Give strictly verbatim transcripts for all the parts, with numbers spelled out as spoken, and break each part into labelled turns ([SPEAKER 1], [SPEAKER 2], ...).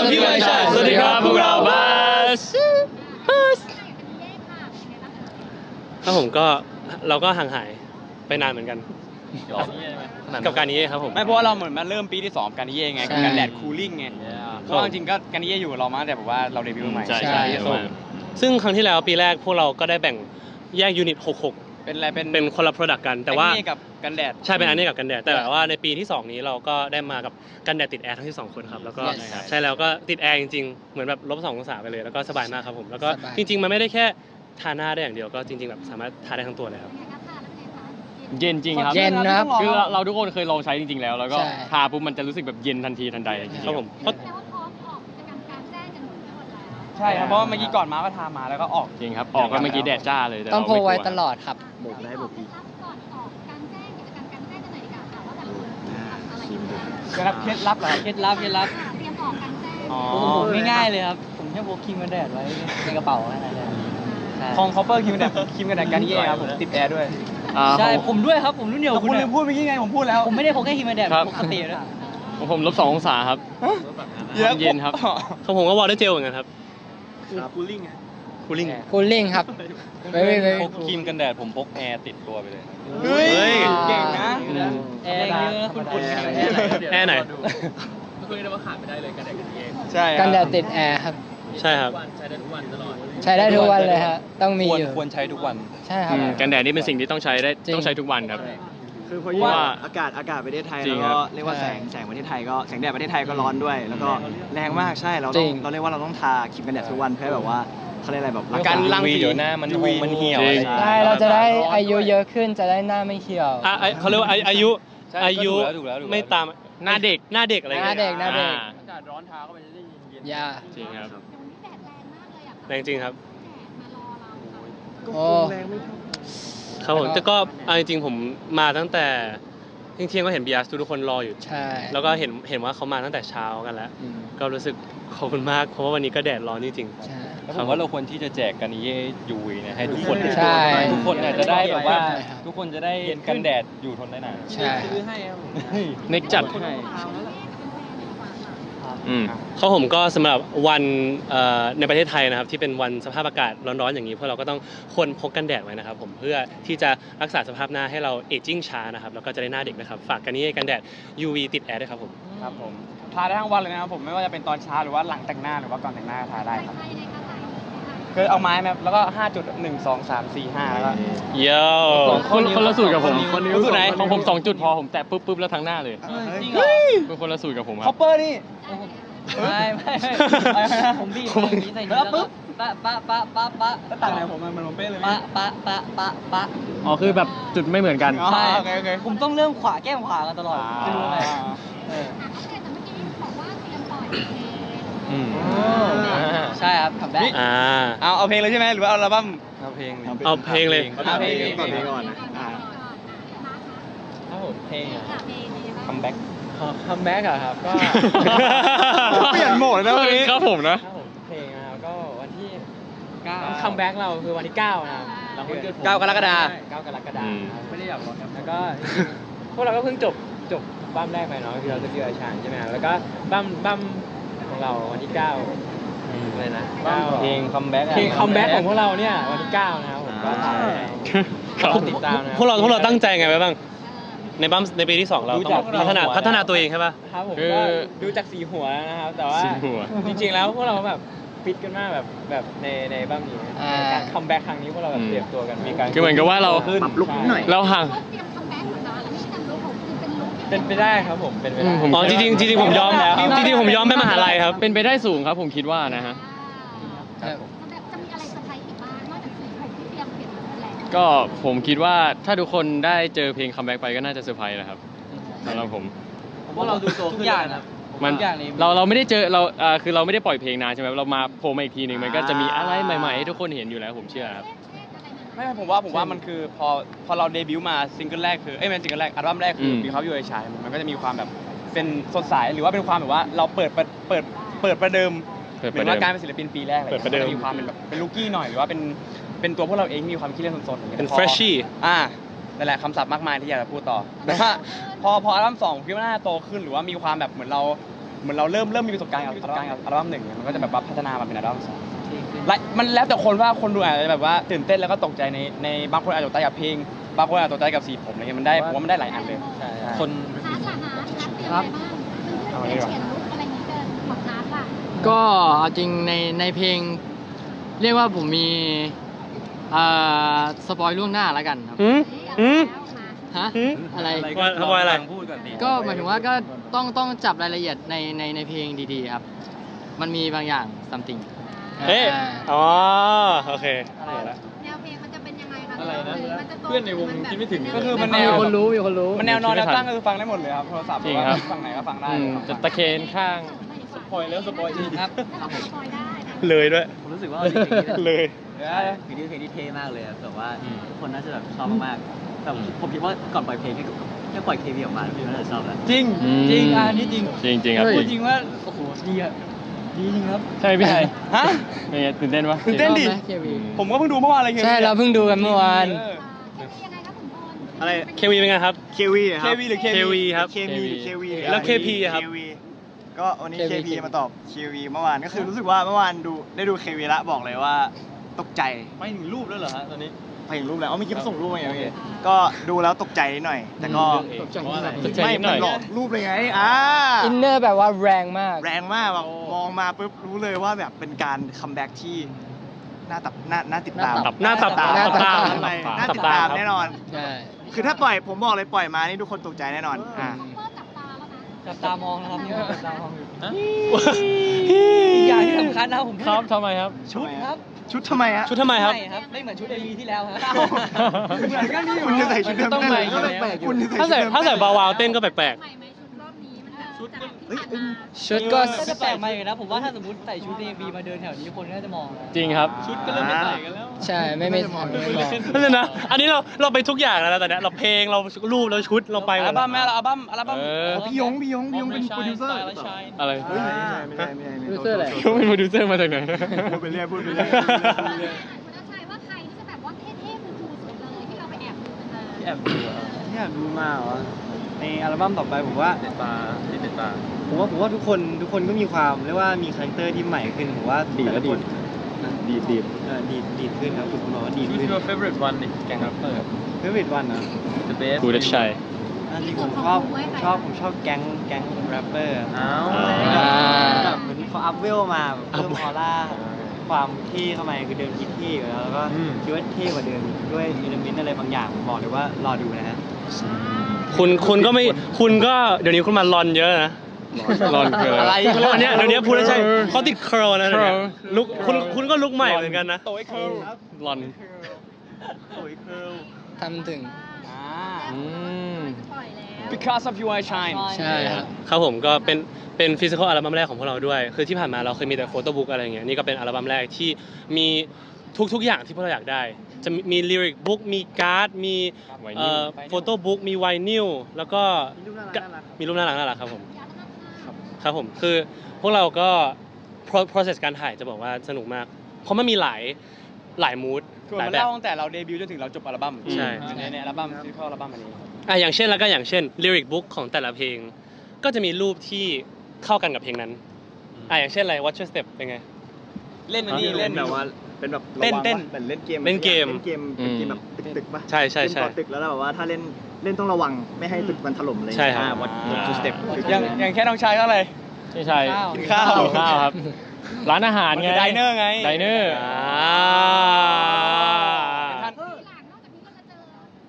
[SPEAKER 1] พี่ไม่ใช่สวัสดีครับพวกเราบัสบัสครับผมก็เราก็ห่างหายไปนานเหมือนกันกับการนี้ครับผม
[SPEAKER 2] ไม่เพราะว่าเราเหมือนมาเริ่มปีที่สองกันนี้เองไงกับการแดดคูลิ่งไงเพราะจริงๆก็กันนี้อยู่กับเรามาแต่แบบว่าเราเดบิวต์ใหม่
[SPEAKER 1] ใช่ใช่ซึ่งครั้งที่แล้วปีแรกพวกเราก็ได้แบ่งแยกยูนิตหกหก
[SPEAKER 2] เป็นอะไรเป็น
[SPEAKER 1] เป็นคนละ product กันแต่ว่า
[SPEAKER 2] กับกันแดด
[SPEAKER 1] ใช่เป็นอันนี้กับกันแดดแต่ว่าในปีที่สองนี้เราก็ได้มากับกันแดดติดแอร์ทั้งที่สองคนครับแล้วก็ใช่แล้วก็ติดแอร์จริงๆเหมือนแบบลบสององศาไปเลยแล้วก็สบายมากครับผมแล้วก็จริงๆมันไม่ได้แค่ทาหน้าได้อย่างเดียวก็จริงๆแบบสามารถทาได้ทั้งตัวเลยครับ
[SPEAKER 3] เย็นจริงครับ
[SPEAKER 4] เย็นนะครับ
[SPEAKER 3] คือเราทุกคนเคยลองใช้จริงๆแล้วแล้วก็ทาปุ๊บมันจะรู้สึกแบบเย็นทันทีทันใดจริงๆ
[SPEAKER 1] ครับผมเพราะ
[SPEAKER 2] ใช่ครับเพราะเมื่อกี้ก่อนมาก็ทามาแล้วก็ออก
[SPEAKER 3] จริงครับออกก็เมื่อกี้แดดจ้าเลย
[SPEAKER 4] ต้องโพไว้ตลอดครับ
[SPEAKER 5] บุกได้บุกอีก
[SPEAKER 2] เคล็ดลับเคล็ดลับเหรอ
[SPEAKER 4] เคล็ดลับเคล็ดลับ
[SPEAKER 2] อ๋อ
[SPEAKER 4] ง่ายๆเลยครับผมแค่พกครีมกันแดดไว้ในกระเป๋าแค่นั้นเลย
[SPEAKER 2] ของคอปเปอร์ครีมกันแดดครีมกันแดดกันนี้ครับผมติดแอร์ด้วย
[SPEAKER 4] ใช่ผมด้วยครับผมรุ่นเดียว
[SPEAKER 2] คุณลืมพูดเมื่อกี้ไงผมพูดแล้ว
[SPEAKER 4] ผมไม่ได้พกแค่ครีมกันแดดปกติด้วย
[SPEAKER 3] ผมลบสององศาครับเย็นครับ
[SPEAKER 1] ของผมก็วอเตอร์เจลเหมือนกันครับ
[SPEAKER 2] คูลิ่ง
[SPEAKER 1] คูลิ่ง
[SPEAKER 4] คูลิ่งครับไม่ไม่ไม่
[SPEAKER 5] พกครีมกันแดดผมพกแอร์ติดตัวไปเลย
[SPEAKER 2] เฮ้ยเก่งนะ
[SPEAKER 4] แอร์เยอะคุณคุณ
[SPEAKER 1] แอร์ไหน
[SPEAKER 3] คุยได้ว่าขาดไม่ได้เลยกันแดดกันเอง
[SPEAKER 2] ใช่
[SPEAKER 4] กันแดดติดแอร์ครับ
[SPEAKER 1] ใช่ครับ
[SPEAKER 3] ใช้ได้ทุกวันตลอด
[SPEAKER 4] ใช้ได้ทุกวันเลยฮะต้องมีอยู่
[SPEAKER 5] ควรใช้ทุกวัน
[SPEAKER 4] ใช่ครับ
[SPEAKER 3] กันแดดนี่เป็นสิ่งที่ต้องใช้ได้ต้องใช้ทุกวันครับ
[SPEAKER 2] คือเพราะว่าอากาศอากาศประเทศไทยแล้วก็เรียกว่าแสงแสงประเทศไทยก็แสงแดดประเทศไทยก็ร้อนด้วยแล้วก็แรงมากใช่เราต้องเราเรียกว่าเราต้องทาครีมกันแดดทุกวันเพื่อแบบว่าเขาเรียกอะไรแบบ
[SPEAKER 5] การรังสีเดี๋ยวหน้ามันหงมันเหี่ยว
[SPEAKER 4] ใช่เราจะได้อายุเยอะขึ้นจะได้หน้าไม่เหี่ยว
[SPEAKER 1] อ่ะเขาเรียกว่าอายุอายุไม่ตาม
[SPEAKER 3] หน้าเด็ก
[SPEAKER 1] หน้าเด็กอะไร
[SPEAKER 4] หน้าเด็กหน้าเด็ก
[SPEAKER 2] อากาศร้อนทาเข้าไปจะได้เย็น
[SPEAKER 4] ยา
[SPEAKER 1] จริงครับแรงจริงครับ
[SPEAKER 4] โอ้
[SPEAKER 1] ครับผมแต่ก็เอาจริงๆผมมาตั้งแต่เที่ยงๆก็เห็นบีอาร์ทุกคนรออยู่
[SPEAKER 4] ใช่
[SPEAKER 1] แล้วก็เห็นเห็นว่าเขามาตั้งแต่เช้ากันแล้วก็รู้สึกขอบคุณมากเพราะว่าวันนี้ก็แดดร้อนจริงๆ
[SPEAKER 4] ใช่
[SPEAKER 5] ผมว่าเราควรที่จะแจกกันนี้ยูวีเนี่ยให้ทุกคน
[SPEAKER 4] ใช่
[SPEAKER 5] ทุกคนเนี่ยจะได้แบบว่าทุกคนจะได้กันแดดอยู่ทนได้นาน
[SPEAKER 4] ใช่
[SPEAKER 2] ซื้อให้ครับ
[SPEAKER 3] เน็กจัด
[SPEAKER 1] เขาผมก็สำหรับวันในประเทศไทยนะครับที่เป็นวันสภาพอากาศร้อนๆอย่างนี้พวกเราก็ต้องควรพกกันแดดไว้นะครับผมเพื่อที่จะรักษาสภาพหน้าให้เราเอจจิ้งช้านะครับแล้วก็จะได้หน้าเด็กนะครับฝากกันนี้กันแดด ยู วี ติดแอร์ด้วยครับผม
[SPEAKER 2] ครับผมทาได้ทั้งวันเลยนะครับผมไม่ว่าจะเป็นตอนเช้าหรือว่าหลังแต่งหน้าหรือว่าก่อนแต่งหน้าทาได้ครับคือเอาไม้มาแล้วก็ห้าจุดหนึ่งสองสามสี่ห้าแล้วก็
[SPEAKER 1] เยอะ
[SPEAKER 3] คนคนละสูตรกับผม
[SPEAKER 2] คนสูตรไหน
[SPEAKER 3] ของผมสองจุดพอผมแตะปุ๊บปุ๊บแล้วทั้งหน้าเลย
[SPEAKER 4] จริงเหรอ
[SPEAKER 3] เป็นคนละสูตรกับผมค
[SPEAKER 2] รับคอปเปอร์นี่
[SPEAKER 4] ไม่ไม่ผมบีบอย่างนี้ใส่นี้แล้วปุ๊บปะปะปะปะปะ
[SPEAKER 2] ต่างไหนผมมันมันเป๊ะเลย
[SPEAKER 4] ปะปะปะปะปะ
[SPEAKER 3] อ๋อคือแบบจุดไม่เหมือนกัน
[SPEAKER 4] ใช่ผมต้องเริ่มขวาแก้มขวากันตลอดจะรู้ไงใช่ครับทำได้
[SPEAKER 1] อ่า
[SPEAKER 2] เอาเอาเพลงเลยใช่ไหมหรือว่าเอาอัลบั้ม
[SPEAKER 5] เอาเพลง
[SPEAKER 1] เอาเพลงเลย
[SPEAKER 2] เอาเพลงก่อนเพลงก่อนนะ
[SPEAKER 4] ถ้าผมเพลง
[SPEAKER 5] คัมแบ็ก
[SPEAKER 4] คัมแบ็กอะครับก็
[SPEAKER 2] เปลี่ยนโหมดแล้ววันนี้
[SPEAKER 3] ครับผมนะ
[SPEAKER 4] เพลงนะครับก็วันที่เก้าคัมแบ็กเราคือวันที่เก้านะครับ
[SPEAKER 2] เก้ากรกฎาคม
[SPEAKER 4] เก้ากรกฎาคมไม่ได้อยากร้องครับแล้วก็พวกเราก็เพิ่งจบจบบั้มแรกไปเนาะคือเราจะเจอชานใช่ไหมแล้วก็บั้มบั้มของเราวันที่เก้าอะไรนะ
[SPEAKER 5] เพลงคัมแบ็ก
[SPEAKER 4] เพลงคัมแบ็กของพวกเราเนี่ยวันที่เก้านะครับผมก็ติดตามนะ
[SPEAKER 1] พวกเราพวกเราตั้งใจไงไว้บ้างในบั้มในปีที่สองเราต้องพัฒนาพัฒนาตัวเองใช่ป่ะ
[SPEAKER 4] ครับผมก็ดูจากสีหัวนะครับแต่ว่าจริงๆแล้วพวกเราแบบฟิตกันมากแบบแบบในในบั้มนี้การคัมแบ็กครั้งนี้พวกเราแบบเตรียมตัวกันมีการ
[SPEAKER 3] คือเหมือนกับว่าเรา
[SPEAKER 2] ปรับลุคนิดหน่อย
[SPEAKER 3] เราห่าง
[SPEAKER 4] เป็นไปได้ครับผมเป็นไปได้
[SPEAKER 1] อ๋อจริงจริงผมยอมแล้วจริงๆผมยอมไปมหาลัยครับ
[SPEAKER 3] เป็นไปได้สูงครับผมคิดว่านะฮะก็ผมคิดว่าถ้าทุกคนได้เจอเพลงคัมแบ็กไปก็น่าจะเซอร์ไพรส์แหละครับสำหรับผม
[SPEAKER 4] ผมว่าเราดูโตขึ้นอย่างนะ
[SPEAKER 3] มันเราเราไม่ได้เจอเราอ่าคือเราไม่ได้ปล่อยเพลงนานใช่ไหมเรามาโผล่มาอีกทีหนึ่งมันก็จะมีอะไรใหม่ๆให้ทุกคนเห็นอยู่แล้วผมเชื่อครับ
[SPEAKER 2] ไม่ผมว่าผมว่ามันคือพอพอเราเดบิวต์มาซิงเกิลแรกคือเอ้ยไม่ซิงเกิลแรกอัลบั้มแรกคือมีเขาอยู่ในฉายมันก็จะมีความแบบเป็นสดใสหรือว่าเป็นความแบบว่าเราเปิดเปิดเปิดเปิดประเดิมเหมือนว่าการเป็นศิลปินปีแรกเลยมันจะมีความเป็นแบบเป็นลูกี้หน่อยหรือว่าเป็นเป็นตัวพวกเราเองมีความคิดเล่นสนๆ
[SPEAKER 1] เป็นเฟรชชี่
[SPEAKER 2] อ่านั่นแหละคำศัพท์มากมายที่อยากจะพูดต่อแต่ว่าพอพออัลบั้มสองคิดว่าน่าโตขึ้นหรือว่ามีความแบบเหมือนเราเหมือนเราเริ่มเริ่มมีประสบการณ์กับประสบการณ์กับอัลบั้มหนึ่งมันก็จะแบบว่าพัฒนามาเป็นอัลบั้มสองและมันแล้วแต่คนว่าคนดูอาจจะแบบว่าตื่นเต้นแล้วก็ตกใจในในบางคนอาจจะตกใจกับเพลงบางคนอาจจะตกใจกับสีผมอะไรเงี้ยมันได้ผมว่ามันได้หลายอันเลย
[SPEAKER 4] ใช่
[SPEAKER 5] คน
[SPEAKER 6] ฮาร์ดล่ะฮาร์ดฮาร์ดเตรียมอะไรบ้างเพื่อนๆเขียนลุคอะไรอย่างนี้เกินของฮาร์ดล่ะ
[SPEAKER 7] ก็เอาจริงในในเพลง เรียกว่าผมมีเอ่อสปอยล่วงหน้าแล้วกันครับ
[SPEAKER 1] อืมอืม
[SPEAKER 7] ฮะ
[SPEAKER 1] อืม
[SPEAKER 7] อะไร
[SPEAKER 1] ว่าทำไมอะไร
[SPEAKER 5] พูดก่อนดิ
[SPEAKER 7] ก็หมายถึงว่าก็ต้องต้องจับรายละเอียดในในในเพลงดีๆครับ มันมีบางอย่าง something
[SPEAKER 1] เอ๊ะ
[SPEAKER 7] อ่า
[SPEAKER 1] อ๋อโอเค
[SPEAKER 6] แนวเพลงมันจะเป็นยังไงคะ
[SPEAKER 3] อะไรนะ
[SPEAKER 6] หมัจะตรง
[SPEAKER 3] เพื่อนในวงคิดไม่ถึง
[SPEAKER 2] ก็คือมันแน
[SPEAKER 7] มี
[SPEAKER 2] ว
[SPEAKER 7] คนรู้มีคนรู้
[SPEAKER 2] มันแนวนอนแนวตั้งก็คือฟังได้หมดเลยครับโทรศัพท์
[SPEAKER 3] จริงครับ
[SPEAKER 2] ฟังไหนก็ฟังได้
[SPEAKER 3] อืมจะตะเคนข้าง
[SPEAKER 6] สปอยแล้วสปอยจริงครับสปอยได้นะ
[SPEAKER 1] เลยด้วย
[SPEAKER 5] ผมรู้สึกว่าเพลงนี้
[SPEAKER 1] เลย
[SPEAKER 2] เดี๋ยว
[SPEAKER 5] เพลงนี้เพลงนี้เท่มากเลยอะแบบว่า
[SPEAKER 3] อืม
[SPEAKER 5] ทุกคนน่าจะแบบชอบมากๆแต่ผมคิดว่าก่อนปล่อยเพลงแค่แค่ปล่อยเควีออกมาพี่น่าจะชอบแล้ว
[SPEAKER 2] จริง
[SPEAKER 3] อืม
[SPEAKER 2] จริงอ่ะอันนี้จริง
[SPEAKER 3] จริงจริงครับ
[SPEAKER 7] เฮ้ย
[SPEAKER 3] จริง
[SPEAKER 2] จริงว่าโอ้โหดีอะดีจริงครับ
[SPEAKER 3] ใช่ไหมพี่ไทย
[SPEAKER 2] ฮะ
[SPEAKER 3] เป็นไงตื่นเต้นปะ
[SPEAKER 2] ตื่นเต้นดิ
[SPEAKER 7] ชอบไหม เค วี
[SPEAKER 2] ผมก็เพิ่งดูเมื่อวานเลย
[SPEAKER 7] ใช่เราเพิ่งดูกันเมื่อวาน
[SPEAKER 2] เออ
[SPEAKER 6] เคมียังไงครับขุนพล
[SPEAKER 8] อะไร
[SPEAKER 1] เควีเป็นไงครับ
[SPEAKER 8] เควีค
[SPEAKER 2] เครับ วีหรือเค
[SPEAKER 1] เควีครับ
[SPEAKER 8] เคมีหรือเควี
[SPEAKER 1] แล้ว KP อะครับ
[SPEAKER 8] เควีก็วันนี้
[SPEAKER 7] เค
[SPEAKER 8] เค
[SPEAKER 7] วี
[SPEAKER 8] พีมาตอบเควีเมื่อวานก็คือรู้สึกว่าเมื่อวานดูได้ดูเควีละบอกเลยว่าตกใจ
[SPEAKER 5] ไม่ถึงรูปแล้วเหรอฮะตอนนี้
[SPEAKER 8] ไปเห็นรูปแล้วอ๋อเมื่อกี้เขาส่งรูปมาไงโอเคก็ดูแล้วตกใจนิดหน่อย แต่ก็
[SPEAKER 7] ตกใจนิดหน่อย
[SPEAKER 3] ตกใจ
[SPEAKER 8] ไม่
[SPEAKER 3] นิดหน่
[SPEAKER 8] มั
[SPEAKER 3] อย
[SPEAKER 8] นหลอกรูปเลยไงอ่า
[SPEAKER 7] อินเนอร์แบบว่าแรงมาก
[SPEAKER 8] แรงมากแบบมองมาปุ๊บรู้เลยว่าแบบเป็นการคัมแบ็กที่น่าตับน่าน่าติดตาม
[SPEAKER 1] หน้าตับ
[SPEAKER 8] หน้าตับ
[SPEAKER 7] หน้าตับ
[SPEAKER 8] ตามทำไมน่าติดตามแน่นอน
[SPEAKER 7] ใช่
[SPEAKER 8] คือถ้าปล่อยผมบอกเลยปล่อยมานี่ทุกคนตกใจแน่นอนอ่า
[SPEAKER 6] เพิ่มจับตาแล้วนะ
[SPEAKER 5] จับตามองนะครับนี่จับตามองอยู่
[SPEAKER 2] อีกอย่างที่สำคัญนะผม
[SPEAKER 3] ครับทำไมครับ
[SPEAKER 8] ชุดครับ ชุดทำไมฮะ
[SPEAKER 1] ชุดทำไมครับ
[SPEAKER 2] ครับไม่เหมือนชุดเอวีที่แล้วครับ
[SPEAKER 8] เหมือนกันนี่คุณจะใส่ชุดเดิม
[SPEAKER 3] ต้อง
[SPEAKER 8] ได้
[SPEAKER 3] ใหม่
[SPEAKER 8] เลย
[SPEAKER 3] อยู่แล้ว
[SPEAKER 8] แปลกๆคุณจะ
[SPEAKER 1] ถ้าใส่
[SPEAKER 8] ชุดเดิม
[SPEAKER 1] ถ้าใส่บาวาวเต้นก็แปลก
[SPEAKER 6] ใหม่ไหมชุดรอบนี้มันแบบชุดจากที่ผ่านมา
[SPEAKER 7] ชุดก็
[SPEAKER 5] ก็จะแปลกใหม่นะผมว่าถ้าสมมติใส่ชุดเอวีมาเดินแถวนี้คนก็จะมองนะ
[SPEAKER 3] จริงครับ
[SPEAKER 8] ชุดก็เริ่มไม่ใส่กันแล้ว
[SPEAKER 7] ใช่ไม่ไม่ไม่ไม่บอก
[SPEAKER 1] ๆนั่นเลยนะ อันนี้เราเราไปทุกอย่างแล้วนะตอนเนี้ยเราเพลงเรารูปเราชุดเราไปหม
[SPEAKER 2] อั
[SPEAKER 1] ด
[SPEAKER 2] ลบั้มแม่เราอัลบั้มอัลบั้ม
[SPEAKER 3] เออ
[SPEAKER 8] พี่ยงพี่ยงพี่ยงเป็นโปรดิวเซอร์
[SPEAKER 3] อะไร
[SPEAKER 8] เฮ้ยไม่ใช่ไม่ใช่ไม่ใช่ไม่
[SPEAKER 7] โปรดิวเซอ
[SPEAKER 8] ใช่
[SPEAKER 7] ร์อะไร
[SPEAKER 3] เขาเป็นโปรดิวเซอร์มาจากไหน
[SPEAKER 8] พูดไปเรื่อยพูดไปเรื่อย
[SPEAKER 6] คุณอาชัยว่าใครที่จะแบบว่าเท่ๆคูลๆสุดเลยที่เราไปแอบดูกันมา
[SPEAKER 5] ที่แอบดูอะ
[SPEAKER 8] อยากดูมาเหรอในอัลบั้มต่อไปผมว่า
[SPEAKER 5] ติดตาติดตา
[SPEAKER 8] ผมว่าผมว่าทุกคนทุกคนก็มีความเรียกว่ามีคาแรคเตอร์ที่ใหม่ขึ้นผมว่า
[SPEAKER 3] ดีด
[SPEAKER 8] แต่ละ
[SPEAKER 3] ดี
[SPEAKER 8] ค
[SPEAKER 3] ด
[SPEAKER 8] นดีดดีดเออดีดดีดขึ้นครับคุณบอกว่าดีด
[SPEAKER 5] Who's
[SPEAKER 8] ขึ้น
[SPEAKER 5] your favorite one นี่แกงแรปเปอร์
[SPEAKER 8] เฟเวอร์วันนะ
[SPEAKER 5] The best
[SPEAKER 3] กูเด็กชัย
[SPEAKER 8] อันนี้ผมชอบผมชอบผมชอบแก๊งแก๊งแรปเปอร์
[SPEAKER 5] อ้าว
[SPEAKER 7] อ่า
[SPEAKER 8] แบบเหมือนเขาอัพเวลมาแบบเพิ่มออร่าความเท่เข้ามาคือเดิมคิดเท่อยู่แล้วแล้วก็คิดว่าเท่กว่าเดิมด้วยอิเลเมนต์อะไรบางอย่างผมบอกเลยว่ารอดูนะฮะ
[SPEAKER 1] คุณคุณก็ไม่คุณก็เดี๋ยวนี้คุณมาลอนเยอะนะ
[SPEAKER 3] รอนคืออะไร
[SPEAKER 1] อันเนี้ยเดี๋ยวนี้พูดแล้วใช่เขาติดเคอร์นะเดี๋ยวนี้
[SPEAKER 3] curl
[SPEAKER 1] ลุกคุณคุณก็ลุกใหม่เหมือนกันนะ
[SPEAKER 2] โตไอ้เคิร์ล
[SPEAKER 3] รอน
[SPEAKER 8] สวยเคิร์ล
[SPEAKER 7] ทำถึง
[SPEAKER 2] อ่า
[SPEAKER 3] อืม
[SPEAKER 6] ปล่อยแล้ว
[SPEAKER 2] because of you I shine
[SPEAKER 7] ใช่ครับ
[SPEAKER 1] ครับผมก็เป็นเป็นฟิสิกอลอัลบั้มแรกของพวกเราด้วย คือที่ผ่านมาเราเคยมีแต่โฟโต้บุ๊กอะไรอย่างเงี้ยนี่ก็เป็นอัลบั้มแรกที่มีทุกๆอย่างที่พวกเราอยากได้ จะมีลิริกบุ๊กมีการ์ดมี
[SPEAKER 3] ไวนิล
[SPEAKER 1] เอ่อโฟโต้บุ๊กมีไวนิลแล้วก็
[SPEAKER 8] มีรูปน่ารักน่ารักครับ
[SPEAKER 1] มีรูปน่ารักน่ารักครับผมครับผมคือพวกเราก็ pro- process การถ่ายจะบอกว่าสนุกมาก เพราะมันมีหลายหลายมูด
[SPEAKER 2] คือ
[SPEAKER 1] หลาย
[SPEAKER 2] มัน
[SPEAKER 1] แบบ
[SPEAKER 2] เล่าตั้งแต่เราเดบิวต์จนถึงเราจบอัลบั้ม
[SPEAKER 1] ใช่
[SPEAKER 2] ในในอัลบั้มที่เข้าอัลบั้มอันนี้
[SPEAKER 1] อ่ะอย่างเช่นแล้วก็อย่างเช่นลิริกบุ๊กของแต่ละเพลง ก็จะมีรูปที่เข้ากันกับเพลงนั้นอ่ะอย่างเช่นอะไร Watch Your Step เป็นไง
[SPEAKER 2] เล่นอันนี้เล่น
[SPEAKER 8] แบบว่าเป็นแบบ
[SPEAKER 2] เต้นเต้น
[SPEAKER 8] เหมือนเล่นเกม
[SPEAKER 1] เล่นเกม
[SPEAKER 8] เล่นเกมเป็นเกมแบบตึกๆป่ะ
[SPEAKER 1] ใช่ใช่ใช่
[SPEAKER 8] เล่นต่อตึกแล้วแบบว่าถ้าเล่นเล่นต้องระวังไม่ให้ตึกมันถล่มเลย
[SPEAKER 1] ใช่ครับ
[SPEAKER 8] วัดวัดสเต็ป
[SPEAKER 2] อย่างอย่างแค่น้องชายก็อะไร
[SPEAKER 3] ใช่ใช่
[SPEAKER 2] กินข้าว
[SPEAKER 3] กินข้าวครับ ร้านอาหารไง
[SPEAKER 2] ไดเนอร์ไง
[SPEAKER 3] ไดเนอร์
[SPEAKER 1] อ่า
[SPEAKER 2] ท่าน
[SPEAKER 6] หลังนอกจากนี้ก็จะเจอ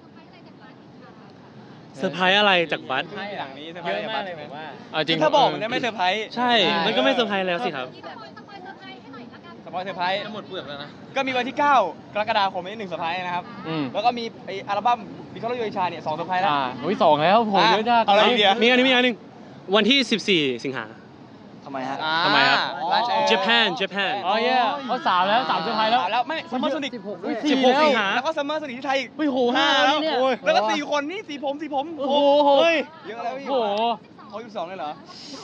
[SPEAKER 6] เซอร์ไพรส์อะไรจากบ้านอีกค่ะ
[SPEAKER 1] เซอร์ไพรส์อะไรจากบัส
[SPEAKER 2] หลังนี้เซอร์ไพ
[SPEAKER 4] เย
[SPEAKER 2] รส์
[SPEAKER 4] อะมากเลยผมว่า
[SPEAKER 3] เอาจริง
[SPEAKER 2] ถ้าบอกมันจะไม่เซอร์ไพรส์
[SPEAKER 1] ใช่ มันก็ไม่เซอร์ไพรส์แล้วสิครับ
[SPEAKER 6] ที่แบบสปอยเซอร์ไพรส์ให้หน่อยละกัน
[SPEAKER 2] สปอยเซอร์ไพรส์
[SPEAKER 5] หมดเปลือกแล้วนะ
[SPEAKER 2] ก็มีวันที่เก้ากรกฎาคมนี้หนึ่งเซอร์ไพรส์นะครับ
[SPEAKER 3] อืม
[SPEAKER 2] แล้วก็มีไออัลบั้มบิคอลโยชาเนี่ยสองเซอร์ไพรส์แล้ว
[SPEAKER 3] อ่าโอ้ยสองแล้วโหเยอะจัง
[SPEAKER 2] เอาอะไรอีกเดี๋ยว
[SPEAKER 1] มีอันนี้มีอันหนึงวันที่ สิบสี่ สิงหา
[SPEAKER 8] ทำไมฮะ
[SPEAKER 2] อ่า
[SPEAKER 1] ทำไมครับ
[SPEAKER 2] ราชเอ
[SPEAKER 1] Japan Japan
[SPEAKER 3] อ๋อเย่เขาสามแล้วสามเซอร์ไพรส์แล้ว
[SPEAKER 2] สามแล้วไม่ซัมเมอร์โซนิก
[SPEAKER 7] สิบหกด้วย
[SPEAKER 1] สิบหกสิงหา
[SPEAKER 2] แล้วก็ซัมเมอร์โซนิกที่ไทยอีก
[SPEAKER 3] เฮ้ยโห
[SPEAKER 2] ห้า
[SPEAKER 3] ห้า
[SPEAKER 2] แล้ว
[SPEAKER 3] เนี่ย
[SPEAKER 2] โอ้ยแล้วก็สี่คนนี่สีผมสีผม
[SPEAKER 3] โอ้โห
[SPEAKER 2] เฮ้ยเยอะแล้วพี่
[SPEAKER 3] โอ้โห
[SPEAKER 2] เขาอยู่สองเลยเหรอ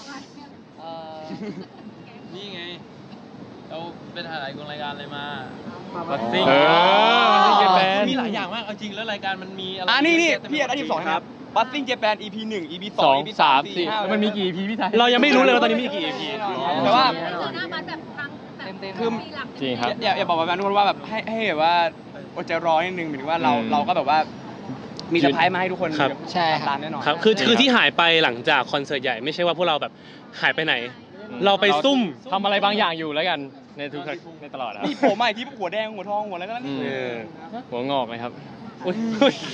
[SPEAKER 5] นี่ไง เราเป็นถ่ายรายการอะไรมา
[SPEAKER 3] บัสซิ่งเออบัสซิ่งเจแปน
[SPEAKER 5] มีหลายอย่างมาก เอาจริงแล้วรายการมันมีอะไร
[SPEAKER 2] อ่านี่นี่
[SPEAKER 5] เยอะแยะ
[SPEAKER 2] พี่อยากได้ทีมสองนะครับบัสซิ่งเจแปน อี พี หนึ่ง อี พี ส
[SPEAKER 3] ส
[SPEAKER 2] อ
[SPEAKER 3] อง ง
[SPEAKER 2] อี พี
[SPEAKER 3] สา
[SPEAKER 2] สาม ม
[SPEAKER 3] สี่
[SPEAKER 2] สี่ห้า
[SPEAKER 3] มันมีกี่ อี พี พี่ไทย
[SPEAKER 1] เรายังไม่รู้เลยว่าตอนนี้มีกี่ อี พี
[SPEAKER 2] แต่ว่า
[SPEAKER 6] เจอหน้ามันแบบครั้งแบบ
[SPEAKER 4] เต็มๆ
[SPEAKER 2] คือ
[SPEAKER 6] ปีหลัง
[SPEAKER 3] จริงครับ
[SPEAKER 2] อย่าอย่าบอกแบบนั้นทุกคนว่าแบบให้ให้แบบว่าอดใจรอนิดนึงหมายถึงว่าเรา
[SPEAKER 3] อืม
[SPEAKER 2] เราก็แบบว่ามีเซอร์ไพรส์มาให้ทุกคน
[SPEAKER 1] ครับ
[SPEAKER 7] ใช่ครับ
[SPEAKER 2] ตามแน่นอน
[SPEAKER 1] ครับคือคือที่หายไปหลังจากคอนเสิร์ตใหญ่ไม่ใช่ว่าพวกเราแบบหายไปไหน เราไปซุ่ม
[SPEAKER 3] ทำอะไรบางอย่างอยู่แล้วกันในทุกในตลอดครับ
[SPEAKER 2] นี่ผมใหม่ที่หัวแดงหัวทองหัวอะไรก็แล้วนี่
[SPEAKER 3] อืม
[SPEAKER 1] เออ
[SPEAKER 3] หัวงอกเลยครับ
[SPEAKER 1] อุ๊ยอุ๊ย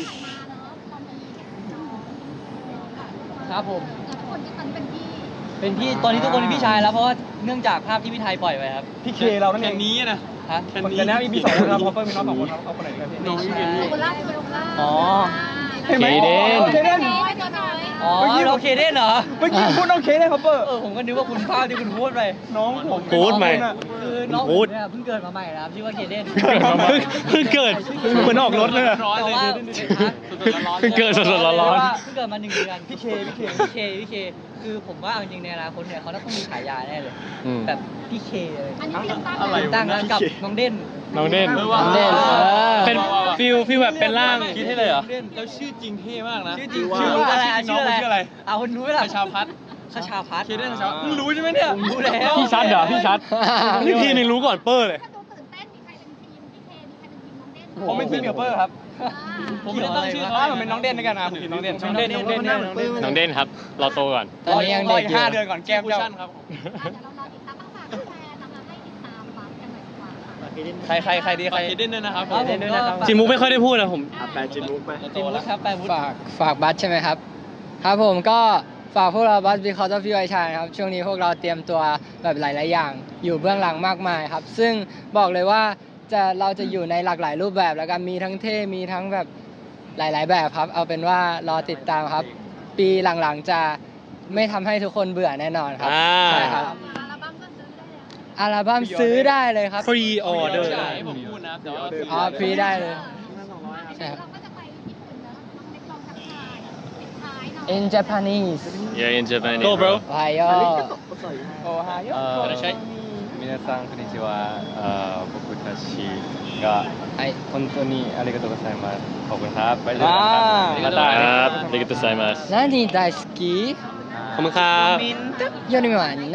[SPEAKER 9] ครับผม
[SPEAKER 6] แต่ทุกคนที่ตอนนี้เป็นพี่
[SPEAKER 9] เป็นพี่ตอนนี้ทุกคนเป็นพี่ชายแล้วเพราะว่าเนื่องจากภาพที่พี่ไทยปล่อยไปครับ
[SPEAKER 2] พี่เคเรานั่นเอง
[SPEAKER 5] นี้นะ
[SPEAKER 9] ฮะ
[SPEAKER 2] คนกันนะ อี พี สองนะครับเขาก็มีน้องสองคนเอาคนไหนกันพี่
[SPEAKER 9] ไม่ใช่
[SPEAKER 6] โคล่าโคล่า
[SPEAKER 9] อ๋อ
[SPEAKER 2] ใช่ไหม
[SPEAKER 3] เคเดน
[SPEAKER 2] เคเดน
[SPEAKER 6] ไปตัวน้อย
[SPEAKER 9] อ๋อเราเคเดนเหรอ
[SPEAKER 2] เมื่อกี้พูดน้องเคได้ครับเปอร์
[SPEAKER 9] เออผมก็นึกว่าคุณภาพที่คุณพูดไป
[SPEAKER 2] น้องผม
[SPEAKER 1] พูดไหม
[SPEAKER 9] คือน้อง
[SPEAKER 1] พู
[SPEAKER 9] ผ
[SPEAKER 1] ด
[SPEAKER 9] มเนี่ยเพิ่งเกิดมาใหม่นะครับชื่อว่าเคเดน
[SPEAKER 1] เพิ่งเกิดเหมือนออกรถเลยอะ
[SPEAKER 9] แต่ว่า
[SPEAKER 3] เพิ่งเกิดสดๆร้อนๆ
[SPEAKER 9] เรียกว่าเพิ่งเกิดมาหนึ่งเดือน
[SPEAKER 2] พี่เคพี่เค
[SPEAKER 9] พี่เคพี่เคคือผมว่าเอาจริงๆในอนาคตเนี่ยเขาต้องมีฉายาแน่เลย
[SPEAKER 3] อืม
[SPEAKER 9] แบบพี่เคเลย
[SPEAKER 6] อันนี้ยังตั้ง
[SPEAKER 2] อะไร
[SPEAKER 9] ตั้งแล้วกับน้องเด่น
[SPEAKER 3] น้องเด่น
[SPEAKER 9] น้องเด่นเออ
[SPEAKER 1] เป็นฟิลฟิลแบบเป็นร่าง
[SPEAKER 3] คิดให้เลยเหรอ
[SPEAKER 5] แล้วชื่อจริงเท่มากนะ
[SPEAKER 9] ชื่อจริง
[SPEAKER 2] ว่า
[SPEAKER 9] ชื่ออะไรอ่ะ
[SPEAKER 2] ชื่
[SPEAKER 9] ชื่
[SPEAKER 2] อ
[SPEAKER 9] อ
[SPEAKER 2] น้
[SPEAKER 9] อะ
[SPEAKER 2] องชื่ออะไร
[SPEAKER 9] ไรเอาคุณรู้ไหมล่ะ
[SPEAKER 5] ชาวพัด
[SPEAKER 9] ขชาพัฒน์
[SPEAKER 5] เคเดนชาวมึงรู้ใช่ไหมเนี่ย
[SPEAKER 9] ผมรู้แล้ว
[SPEAKER 3] พี่ชัดเหรอ พี่ชัด
[SPEAKER 1] นี่ทีนึงรู้ก่อนเปอร์เลย
[SPEAKER 6] ถ้าดูตื่นเต้นมีใครเป็นทีมพี่เคมีใครเป็นทีมน้องเด่น
[SPEAKER 2] ผมเป็นทีมกับเปอร์ครับ
[SPEAKER 5] ผมไม่ได้ตั้งชื่อ
[SPEAKER 2] ถ้า
[SPEAKER 5] เขา
[SPEAKER 2] ผมเป็นน้องเด่นด้วยกันนะผมทีมน้องเด่น
[SPEAKER 9] น้องเด่นน้องเด่นน้องเด่น
[SPEAKER 3] น้องเด่นครับ เราโตก่อน
[SPEAKER 7] ตอนนี้ยังเด็กอยู่
[SPEAKER 2] ห้าเดือนก่อนแก้ม
[SPEAKER 5] คู
[SPEAKER 2] เจ้า
[SPEAKER 5] ชั่นครับ
[SPEAKER 6] เดี๋ยวเรารอติดตามต้องฝากแฟนนะคะให้ติดตามบัสกันหน่อยดีกว่าค่ะ
[SPEAKER 2] ใครใครใครดีใคร
[SPEAKER 5] ฝากเคเดนด้วยนะครับ
[SPEAKER 9] ครับผมก็ฝาก
[SPEAKER 1] จิมุกไม่ค่อยได้พูดนะผม
[SPEAKER 8] แปลจินมุกไป
[SPEAKER 9] จิมวุฒิครับแปลวุฒิ
[SPEAKER 7] ฝากฝากบัตรใช่ไหมครับ ครับผมก็ฝากพวกเราบัตร Because of You ไอชายครับ ช่วงนี้พวกเราเตรียมตัวแบบหลาย ๆ อย่าง อยู่เบื้องหลังมากมายครับ ซึ่งบอกเลยว่าจะเราจะอยู่ในหลากหลายรูปแบบแล้วกันมีทั้งเท่มีทั้งแบบหลาย ๆ แบบครับ เอาเป็นว่ารอติดตามครับ ปีหลัง ๆ จะไม่ทำให้ทุกคนเบื่อแน่นอนครับ
[SPEAKER 1] อ่า
[SPEAKER 7] ใช่ครับ
[SPEAKER 6] อัลบั้มก็ซื้อได้แล้ว
[SPEAKER 7] อัลบั้มซื้อได้เลยครับ
[SPEAKER 1] ฟรีออเดอร์
[SPEAKER 5] ใช่ผมพูดนะแต่ว่า
[SPEAKER 7] อ๋อฟรีได้เลย ใช่ครับ
[SPEAKER 6] เราก็จะไปญี่ปุ่นแล้วน้องเล็กลองทักทายปิดท้ายเนาะ
[SPEAKER 7] In Japanese
[SPEAKER 3] Yeah in Japan
[SPEAKER 1] Go bro
[SPEAKER 7] โอไฮโอ
[SPEAKER 2] โอไฮโอ
[SPEAKER 3] 皆さんこんにちはあー僕たちが
[SPEAKER 7] ไอ
[SPEAKER 3] 本当にありがとうございますขอบคุณครับไปเลยครับまたครับありがとうございます
[SPEAKER 7] 何大好き
[SPEAKER 1] ขอบคุณครับ
[SPEAKER 7] よりはな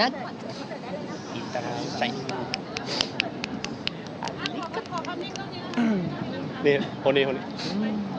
[SPEAKER 6] ขอความนิ่งตรงนี้
[SPEAKER 1] นี่คนนี้คนนี้
[SPEAKER 7] うん